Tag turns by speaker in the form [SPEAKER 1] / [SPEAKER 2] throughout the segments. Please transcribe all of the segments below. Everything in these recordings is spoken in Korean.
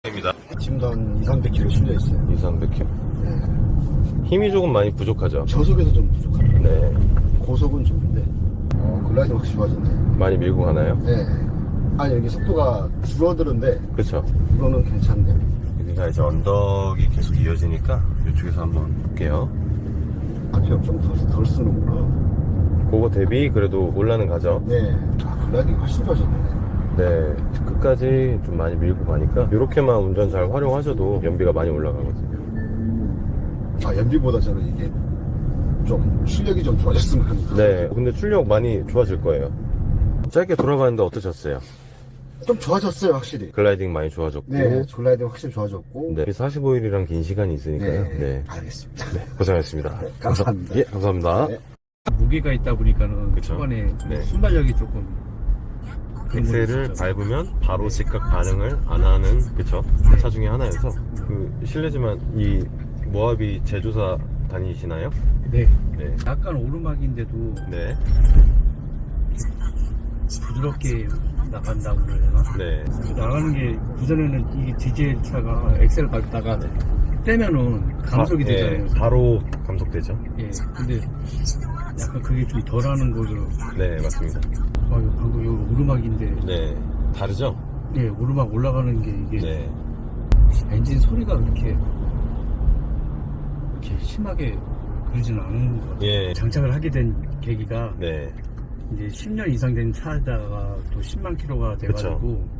[SPEAKER 1] 입니다.
[SPEAKER 2] 지금도 한 200-300km 실려 있어요.
[SPEAKER 1] 200-300km.
[SPEAKER 2] 네.
[SPEAKER 1] 힘이 조금 많이 부족하죠?
[SPEAKER 2] 저속에서 좀 부족합니다.
[SPEAKER 1] 네.
[SPEAKER 2] 고속은 좋은데 글라이딩 확실히 좋아졌네.
[SPEAKER 1] 많이 밀고 가나요?
[SPEAKER 2] 네. 아니 여기 속도가 줄어드는데
[SPEAKER 1] 그쵸.
[SPEAKER 2] 이거는 괜찮네.
[SPEAKER 1] 여기가 이제 언덕이 계속 이어지니까 이쪽에서 한번 볼게요.
[SPEAKER 2] 앞이 좀덜 쓰는구나.
[SPEAKER 1] 그거 대비 그래도 올라는 가죠?
[SPEAKER 2] 네. 글라이딩이 훨씬 좋아졌네.
[SPEAKER 1] 네. 끝까지 좀 많이 밀고 가니까 이렇게만 운전 잘 활용하셔도 연비가 많이 올라가거든요.
[SPEAKER 2] 연비보다 저는 이게 좀 출력이 좀 좋아졌으면 합니다.
[SPEAKER 1] 네. 근데 출력 많이 좋아질 거예요. 짧게 돌아봤는데 어떠셨어요?
[SPEAKER 2] 좀 좋아졌어요, 확실히.
[SPEAKER 1] 글라이딩 많이 좋아졌고.
[SPEAKER 2] 네, 글라이딩 확실히 좋아졌고.
[SPEAKER 1] 네. 45일이랑 긴 시간이 있으니까요. 네.
[SPEAKER 2] 알겠습니다.
[SPEAKER 1] 네. 고생하셨습니다.
[SPEAKER 2] 네, 감사합니다.
[SPEAKER 1] 예, 감사합니다.
[SPEAKER 2] 네.
[SPEAKER 3] 무게가 있다 보니까는
[SPEAKER 1] 그쵸.
[SPEAKER 3] 초반에
[SPEAKER 1] 네.
[SPEAKER 3] 순발력이 조금 그런 건
[SPEAKER 1] 엑셀을
[SPEAKER 3] 있었죠.
[SPEAKER 1] 밟으면 바로 즉각 반응을 안 하는 그쵸 차 중에 하나여서 실례지만 이 모하비 제조사 다니시나요?
[SPEAKER 3] 네.
[SPEAKER 1] 네.
[SPEAKER 3] 약간 오르막인데도
[SPEAKER 1] 네.
[SPEAKER 3] 부드럽게 나간다고 그래야 되나?
[SPEAKER 1] 네.
[SPEAKER 3] 나가는 게 그전에는 이 디젤 차가 엑셀 밟다가 떼면은 감속이
[SPEAKER 1] 네,
[SPEAKER 3] 되잖아요.
[SPEAKER 1] 바로 감속되죠.
[SPEAKER 3] 예. 근데 약간 그게 좀 덜하는 거죠.
[SPEAKER 1] 네, 맞습니다.
[SPEAKER 3] 방금 여기 오르막인데
[SPEAKER 1] 네. 다르죠?
[SPEAKER 3] 예, 오르막 올라가는 게 이게
[SPEAKER 1] 네.
[SPEAKER 3] 엔진 소리가 그렇게 심하게 그러지는 않은 것 같아요.
[SPEAKER 1] 예.
[SPEAKER 3] 장착을 하게 된 계기가
[SPEAKER 1] 네.
[SPEAKER 3] 이제 10년 이상 된 차에다가 또 10만 킬로가 돼가지고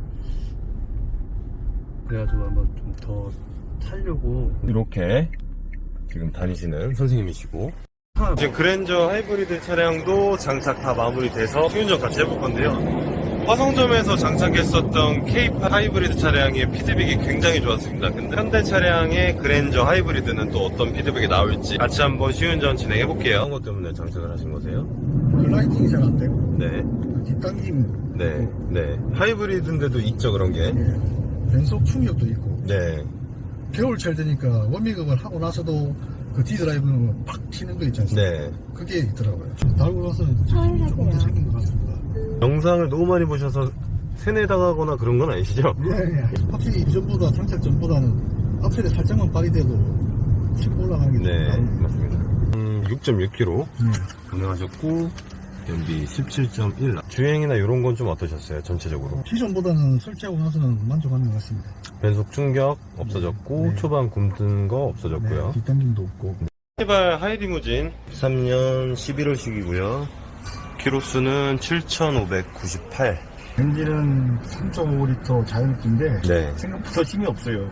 [SPEAKER 3] 그래가지고 한번 좀 더 타려고.
[SPEAKER 1] 이렇게 지금 다니시는 선생님이시고
[SPEAKER 3] 차
[SPEAKER 1] 지금 그랜저 하이브리드 차량도 장착 다 마무리돼서 시운전 같이 해볼 건데요. 화성점에서 장착했었던 K8 하이브리드 차량의 피드백이 굉장히 좋았습니다. 근데 현대 차량의 그랜저 하이브리드는 또 어떤 피드백이 나올지 같이 한번 시운전 진행해 볼게요. 어떤 것 때문에 장착을 하신 거세요?
[SPEAKER 2] 글라이딩이 잘 안 되고,
[SPEAKER 1] 네,
[SPEAKER 2] 뒷당김,
[SPEAKER 1] 네, 네. 하이브리드인데도 있죠 그런 게.
[SPEAKER 2] 변속 충격도 있고,
[SPEAKER 1] 네,
[SPEAKER 2] 겨울철 되니까 워밍업을 하고 나서도 그 디드라이브는 팍 튀는 거 있지 않습니까?
[SPEAKER 1] 네.
[SPEAKER 2] 그게 있더라고요. 달고 나서 힘이 조금 더 생긴 것 같습니다.
[SPEAKER 1] 영상을 너무 많이 보셔서 세뇌당하거나 그런 건 아니시죠?
[SPEAKER 2] 예. 확실히 이전보다 장착 전보다는 앞셀에 살짝만 발휘돼도 치고 올라가는 게
[SPEAKER 1] 네,
[SPEAKER 2] 좀
[SPEAKER 1] 맞습니다. 6.6km
[SPEAKER 2] 네.
[SPEAKER 1] 운행하셨고 연비 17.1. 주행이나 이런 건 좀 어떠셨어요? 전체적으로.
[SPEAKER 2] 기존보다는 설치하고 나서는 만족하는 것 같습니다.
[SPEAKER 1] 변속 충격 없어졌고
[SPEAKER 2] 네.
[SPEAKER 1] 초반 굼뜬 거 없어졌고요.
[SPEAKER 2] 네, 뒷당김도 없고.
[SPEAKER 1] 시발 하이리무진 13년 11월식이고요. 키로수는 7,598.
[SPEAKER 2] 엔진은 3.5L 자연흡기인데
[SPEAKER 1] 네.
[SPEAKER 2] 생각보다 힘이 없어요.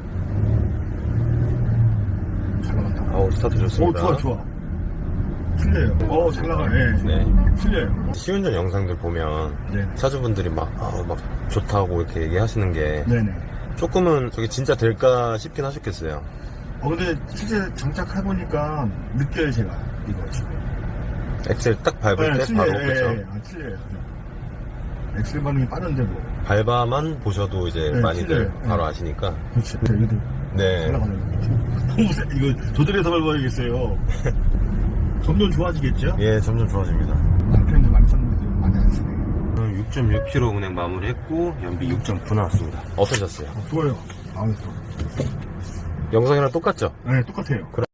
[SPEAKER 2] 잘 나간다.
[SPEAKER 1] 아우, 스타트 좋습니다.
[SPEAKER 2] 좋아. 틀려요. 잘 나가네.
[SPEAKER 1] 네.
[SPEAKER 2] 틀려요.
[SPEAKER 1] 시운전 영상들 보면
[SPEAKER 2] 네.
[SPEAKER 1] 차주분들이 막 좋다고 이렇게 얘기하시는 게
[SPEAKER 2] 네네.
[SPEAKER 1] 조금은 저게 진짜 될까 싶긴 하셨겠어요.
[SPEAKER 2] 근데 실제 장착해보니까 느껴요, 제가. 이거 지금.
[SPEAKER 1] 엑셀 딱 밟을 때 바로 그렇죠.
[SPEAKER 2] 틀려요. 엑셀 반응이 빠른데 뭐.
[SPEAKER 1] 밟아만 보셔도 이제
[SPEAKER 2] 네,
[SPEAKER 1] 많이들
[SPEAKER 2] 틀려요.
[SPEAKER 1] 바로
[SPEAKER 2] 네.
[SPEAKER 1] 아시니까.
[SPEAKER 2] 그렇죠. 이것도
[SPEAKER 1] 네.
[SPEAKER 2] 올라가는 거죠. 너무 이거 조절해서 밟아야겠어요. 점점 좋아지겠죠?
[SPEAKER 1] 예, 점점 좋아집니다.
[SPEAKER 2] 남편도 많이 썼는데 많이 안 쓰네.
[SPEAKER 1] 6.6km 운행 마무리했고 연비 6.9 나왔습니다. 어떠셨어요?
[SPEAKER 2] 좋아요. 마음에 들어.
[SPEAKER 1] 영상이랑 똑같죠?
[SPEAKER 2] 네, 똑같아요.